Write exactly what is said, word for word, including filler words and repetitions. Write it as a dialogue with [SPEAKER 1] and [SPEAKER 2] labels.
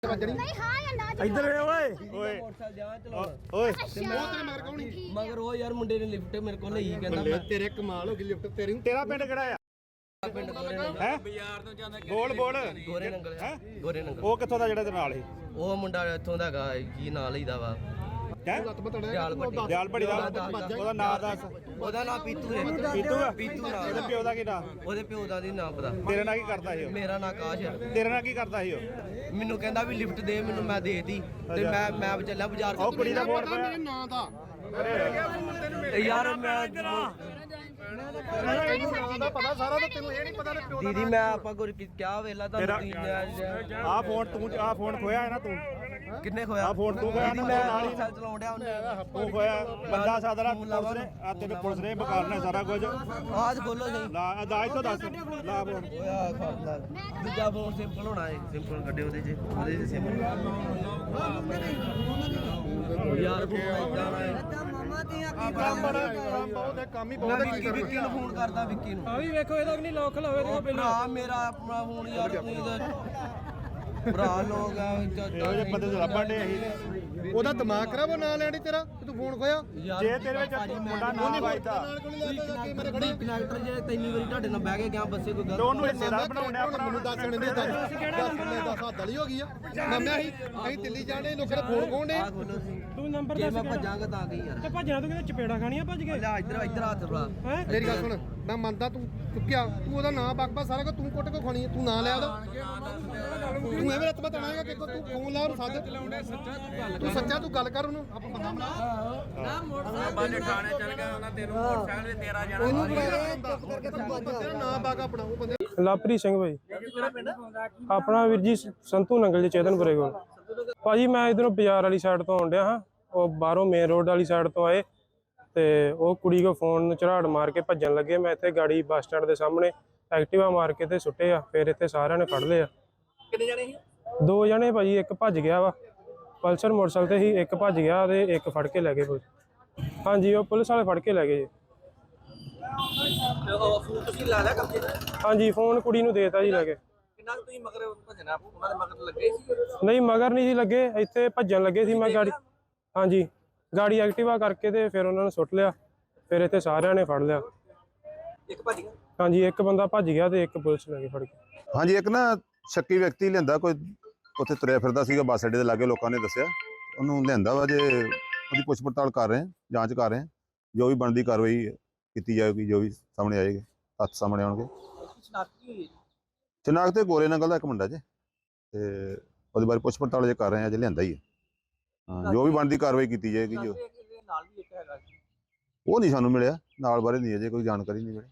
[SPEAKER 1] नहीं हाँ या ना
[SPEAKER 2] इधर ओए ओए
[SPEAKER 3] मोटरसाइकिल जावा चलाना
[SPEAKER 2] ओए
[SPEAKER 3] मगर वो यार मुंडे ने लिफ्ट मेरे को ਲਈ ਕਹਿੰਦਾ ਮੈਂ
[SPEAKER 4] ਤੇਰੇ ਕਮਾਲ ਹੋ ਗਈ ਲਿਫਟ ਤੇਰੀ
[SPEAKER 2] तेरा पिंड किहड़ा है
[SPEAKER 3] ਪਿੰਡ ਗੋਰੇ ਨੰਗਲ
[SPEAKER 2] ਹੈ ਬੋਲ ਬੋਲ
[SPEAKER 3] ਗੋਰੇ ਨੰਗਲ ਹੈ ਗੋਰੇ ਨੰਗਲ
[SPEAKER 2] ਉਹ ਕਿੱਥੋਂ ਦਾ ਜਿਹੜਾ ਤੇ ਨਾਲ ਸੀ
[SPEAKER 3] ਉਹ ਮੁੰਡਾ ਇੱਥੋਂ ਦਾ ਹੈਗਾ ਕੀ ਨਾਂ ਲਈਦਾ ਵਾ
[SPEAKER 2] ਹੈ
[SPEAKER 3] ਦਿਆਲ ਭੱਟੀ
[SPEAKER 2] ਦਿਆਲ ਭੜੀ ਦਾ ਉਹਦਾ ਨਾਂ ਦੱਸ
[SPEAKER 3] ਉਹਦਾ ਨਾਂ ਪੀਤੂ ਹੈ
[SPEAKER 2] ਪੀਤੂ ਆ
[SPEAKER 3] ਪੀਤੂ ਨਾਂ
[SPEAKER 2] ਇਹਦੇ ਪਿਓ ਦਾ ਕੀ ਨਾਂ
[SPEAKER 3] ਉਹਦੇ ਪਿਓ ਦਾ ਨਹੀਂ ਨਾਂ ਪਤਾ
[SPEAKER 2] ਤੇਰੇ ਨਾਲ ਕੀ ਕਰਦਾ ਸੀ ਉਹ
[SPEAKER 3] ਮੇਰਾ ਨਾਂ ਆਕਾਸ਼ ਹੈ
[SPEAKER 2] ਤੇਰੇ ਨਾਲ ਕੀ ਕਰਦਾ ਸੀ ਉਹ
[SPEAKER 3] ਮੈਨੂੰ ਕਹਿੰਦਾ ਵੀ ਲਿਫਟ ਦੇ ਮੈਨੂੰ ਮੈਂ ਦੇਤੀ ਤੇ ਮੈਂ ਮੈਂ ਚੱਲਿਆ ਬਾਜ਼ਾਰ
[SPEAKER 2] ਉਹ ਕੁੜੀ ਦਾ ਫੋਨ
[SPEAKER 4] ਮੇਰੇ ਨਾਂ ਦਾ
[SPEAKER 3] ਯਾਰ ਮੈਂ
[SPEAKER 4] ਨਾਂ ਦਾ ਪਤਾ ਸਾਰਾ ਤਾਂ ਤੈਨੂੰ ਇਹ ਨਹੀਂ ਪਤਾ ਤੇ ਪਿਓ
[SPEAKER 3] ਦੀਦੀ ਮੈਂ ਆਪਾਂ ਗੁਰ ਕਿਆ ਵੇਲਾ
[SPEAKER 2] ਤੇਰਾ
[SPEAKER 3] ਤੁਹਾਨੂੰ
[SPEAKER 2] ਆਹ ਫੋਨ ਤੂੰ ਆਹ ਫੋਨ ਖੋਇਆ ਹੈ ਨਾ ਤੂੰ
[SPEAKER 3] ਕਿੰਨੇ ਖੋਇਆ
[SPEAKER 2] ਆਹ ਫੋਨ ਤੂੰ ਖੋਇਆ ਨਾ
[SPEAKER 3] ਮੈਂ
[SPEAKER 2] ਨਾਲ ਹੀ
[SPEAKER 3] ਸਾਲ ਚਲਾਉਣ ਡਿਆ ਉਹਨੇ
[SPEAKER 2] ਤੂੰ ਖੋਇਆ ਬੰਦਾ ਸਾਦਰਾ ਪੁਲਿਸ ਨੇ ਆ ਤੈਨੂੰ ਪੁਲਿਸ ਨੇ ਬਕਾਰਨਾ ਸਾਰਾ ਕੁਝ
[SPEAKER 3] ਆਜ ਖੋਲੋ ਸਹੀ
[SPEAKER 2] ਲਾ ਅਦਾਇਤ ਤੋਂ ਦੱਸ ਲਾ ਫੋਨ
[SPEAKER 3] ਓਇਆ ਖਾਦਾ ਦੂਜਾ ਫੋਨ ਸਿੰਪਲ ਹੋਣਾ ਹੈ ਸਿੰਪਲ ਕੱਢੇ ਉਹਦੇ ਚ ਉਹਦੇ ਚ ਸਿੰਪਲ ਯਾਰ ਫੋਨ ਇਦਾਂ ਹੈ
[SPEAKER 4] ਕੰਮ ਬੜਾ ਕੰਮ ਬਹੁਤ ਹੈ ਕੰਮ ਹੀ
[SPEAKER 3] ਮੈਂ
[SPEAKER 4] ਬਹੁਤ
[SPEAKER 3] ਵਿੱਕੀ ਵਿੱਕੀ ਨੂੰ ਫੋਨ ਕਰਦਾ ਵਿੱਕੀ ਨੂੰ
[SPEAKER 5] ਆ ਵੀ ਵੇਖੋ ਇਹਦਾ ਵੀ ਨਹੀਂ ਲੋਕ ਲਾਵੇ ਤੇ ਪਹਿਲਾਂ
[SPEAKER 3] ਭਰਾ ਮੇਰਾ ਆਪਣਾ ਫੋਨ ਯਾਰ ਤੁਸੀਂ ਭਰਾ ਲੋਕ ਆ
[SPEAKER 2] ਇਹੋ ਜਿਹੇ ਬੰਦੇ ਤੋਂ ਲੱਭਣ ਦੇ ਅਸੀਂ
[SPEAKER 4] ਉਹਦਾ ਦਿਮਾਗ ਖਰਾਬ ਉਹ ਨਾਂ ਲੈਣੀ ਤੇਰਾ ਤੂੰ ਫੋਨ ਖੋਇਆ
[SPEAKER 2] ਜੇ ਤੇਰੇ ਵਿੱਚ ਮੁੰਡਾ ਨਾ ਵੱਜਦਾ
[SPEAKER 4] ਨਾਲ ਕੋਲ ਲੈ ਕੇ ਮੇਰੇ ਖੜੀ
[SPEAKER 3] ਕਨੈਕਟਰ ਜੇ ਤਿੰਨ ਵਾਰੀ ਤੁਹਾਡੇ ਨਾਲ ਬਹਿ ਕੇ ਗਿਆ ਬੱਸੇ ਕੋਈ
[SPEAKER 2] ਤੇ
[SPEAKER 3] ਗੱਲ
[SPEAKER 2] ਉਹਨੂੰ ਹਿੱਸੇਦਾਰ ਬਣਾਉਣਾ
[SPEAKER 4] ਮੈਨੂੰ ਦੱਸ ਮੈਨੂੰ ਦੱਸ ਦੱਸ ਮੈਂ ਦੱਸ ਹੱਦ ਵਾਲੀ ਹੋ ਗਈ ਆ ਮਾਮਾ ਅਸੀਂ ਅਸੀਂ ਦਿੱਲੀ ਜਾਣੇ ਲੋਕਾਂ ਦੇ ਫੋਨ ਕੋਣੇ
[SPEAKER 3] ਆ ਖੋਲੋ ਸੀ
[SPEAKER 5] ਤੂੰ ਨੰਬਰ
[SPEAKER 3] ਜੇ
[SPEAKER 5] ਦੱਸ
[SPEAKER 3] ਮੈਂ ਭੱਜਾਂਗਾ ਤਾਂ ਗਈ ਯਾਰ
[SPEAKER 5] ਤੇ ਭੱਜਣਾ ਤੂੰ ਕਿਤੇ ਚਪੇੜਾ ਖਾਣੀਆਂ ਭੱਜ ਕੇ
[SPEAKER 3] ਲੈ ਇੱਧਰ ਇੱਧਰ ਹੱਥ ਭਰਾ
[SPEAKER 5] ਹੈ
[SPEAKER 4] ਮੇਰੀ ਗੱਲ ਸੁਣ ਮੈਂ ਮੰਨਦਾ ਤੂੰ ਚੁੱਕਿਆ ਤੂੰ ਉਹਦਾ ਨਾਂ ਬਕਬਾ ਸਾਰਾ ਕੁਝ ਤੂੰ ਕੁੱਟ ਕੇ ਖਾਣੀ ਤੂੰ ਨਾਂ ਲਿਆ ਉਹਦਾ ਤੂੰ ਐਵੇਂ ਰੱਤ ਬਤਾਣਾਗਾ ਕਿ ਤੂੰ ਫੋਨ ਲਾ ਉਹਨੂੰ ਸੱਜ ਤੂੰ ਸੱਚਾ ਤੂੰ ਗੱਲ ਕਰ ਉਹਨੂੰ ਆਪਾਂ ਬੰਦਾ ਬਣਾ
[SPEAKER 3] ਬਾਲੇ ਥਾਣੇ ਚੱਲ ਗਿਆ ਉਹਨਾਂ ਤੈਨੂੰ ਮੋਟਰਸਾਈਕਲ ਤੇ ਤੇਰਾ ਜਾਣਾ
[SPEAKER 4] ਉਹਨੂੰ ਤੇਰਾ ਨਾਂ ਬਾਗਾ ਆਪਣਾ ਉਹ ਬੰਦੇ
[SPEAKER 5] ਲਵਪ੍ਰੀਤ ਸਿੰਘ ਭਾਈ ਆਪਣਾ ਵੀਰ ਜੀ ਸੰਤੂ ਨੰਗਲ ਜੀ ਚੇਤਨਪੁਰੇ ਕੋਲ ਭਾਜੀ ਮੈਂ ਇਧਰੋਂ ਬਾਜ਼ਾਰ ਵਾਲੀ ਸਾਈਡ ਤੋਂ ਆਉਂਦਿਆ ਹਾਂ ਉਹ ਬਾਹਰੋਂ ਮੇਨ ਰੋਡ ਵਾਲੀ ਸਾਈਡ ਤੋਂ ਆਏ ਤੇ ਉਹ ਕੁੜੀ ਕੋ ਫੋਨ ਝਰਾੜ ਮਾਰ ਕੇ ਭੱਜਣ ਲੱਗੇ ਮੈਂ ਇੱਥੇ ਗਾੜੀ ਬੱਸ ਸਟੈਂਡ ਦੇ ਸਾਹਮਣੇ ਐਕਟਿਵਾ ਮਾਰ ਕੇ ਤੇ ਸੁੱਟੇ ਆ ਫਿਰ ਇੱਥੇ ਸਾਰਿਆਂ ਨੇ ਫੜ ਲਿਆ
[SPEAKER 3] ਕਿੰਨੇ ਜਣੇ ਸੀ
[SPEAKER 5] ਦੋ ਜਣੇ ਭਾਜੀ ਇੱਕ ਭੱਜ ਗਿਆ ਵਾ ਪਲਸਰ ਮੋਟਰਸਾਈਕਲ ਤੇ ਹੀ ਇੱਕ ਭੱਜ ਗਿਆ ਤੇ ਇੱਕ ਫੜ ਕੇ ਲੈ ਗਏ ਪੁਲਿਸ ਹਾਂਜੀ ਉਹ ਪੁਲਿਸ ਵਾਲੇ ਫੜ ਕੇ ਲੈ ਗਏ ਜੀ
[SPEAKER 3] ਉਹ ਫੋਨ ਤੁਸੀਂ ਲਾ ਲਿਆ ਕਬਜੇ
[SPEAKER 5] ਹਾਂਜੀ ਫੋਨ ਕੁੜੀ ਨੂੰ ਦੇਤਾ ਜੀ ਲੈ ਕੇ
[SPEAKER 3] ਕਿੰਨਾ ਤੁਸੀਂ ਮਗਰ ਭੱਜਣਾ ਉਹਨਾਂ ਦੇ ਮਗਰ ਲੱਗੇ ਸੀ
[SPEAKER 5] ਨਹੀਂ ਮਗਰ ਨਹੀਂ ਸੀ ਲੱਗੇ ਇੱਥੇ ਭੱਜਣ ਲੱਗੇ ਸੀ ਮੈਂ ਗਾੜੀ ਹਾਂਜੀ ਗਾੜੀ ਐਕਟਿਵਾ ਕਰਕੇ ਤੇ ਫਿਰ ਉਹਨਾਂ ਨੂੰ ਸੁੱਟ ਲਿਆ ਫਿਰ ਇੱਥੇ ਸਾਰਿਆਂ ਨੇ ਫੜ ਲਿਆ
[SPEAKER 3] ਇੱਕ ਭੱਜ ਗਿਆ
[SPEAKER 5] ਹਾਂਜੀ ਇੱਕ ਬੰਦਾ ਭੱਜ ਗਿਆ ਤੇ ਇੱਕ ਪੁਲਿਸ ਲੈ ਕੇ ਫੜ ਕੇ
[SPEAKER 6] ਹਾਂਜੀ ਇੱਕ ਨਾ ਸ਼ੱਕੀ ਵਿਅਕਤੀ ਲਿਆਂਦਾ ਕੋਈ ਉੱਥੇ ਤੁਰਿਆ ਫਿਰਦਾ ਸੀਗਾ ਬੱਸ ਅੱਡੇ ਦੇ ਲਾਗੇ ਲੋਕਾਂ ਨੇ ਦੱਸਿਆ ਉਹਨੂੰ ਲਿਆਂਦਾ ਵਾ ਜੇ ਉਹਦੀ ਪੁੱਛ ਪੜਤਾਲ ਕਰ ਰਹੇ ਹਾਂ ਜਾਂਚ ਕਰ ਰਹੇ ਹਾਂ ਜੋ ਵੀ ਬਣਦੀ ਕਾਰਵਾਈ ਕੀਤੀ ਜਾਏਗੀ ਜੋ ਵੀ ਸਾਹਮਣੇ ਆਏਗੀ ਤੱਥ ਸਾਹਮਣੇ ਆਉਣਗੇ ਸ਼ਨਾਖਤ ਤੇ ਗੋਰੇ ਨੰਗਲ ਦਾ ਇੱਕ ਮੁੰਡਾ ਜੇ ਤੇ ਉਹਦੇ ਬਾਰੇ ਪੁੱਛ ਪੜਤਾਲ ਜੇ ਕਰ ਰਹੇ ਹਾਂ ਜੇ ਲਿਆਂਦਾ ਹੀ ਹੈ ਹਾਂ ਜੋ ਵੀ ਬਣਦੀ ਕਾਰਵਾਈ ਕੀਤੀ ਜਾਏਗੀ ਜੋ
[SPEAKER 3] ਨਾਲ ਵੀ ਇੱਕ ਹੈਗਾ
[SPEAKER 6] ਉਹ ਨਹੀਂ ਸਾਨੂੰ ਮਿਲਿਆ ਨਾਲ ਬਾਰੇ ਨਹੀਂ ਅਜੇ ਕੋਈ ਜਾਣਕਾਰੀ ਨਹੀਂ ਮਿਲੀ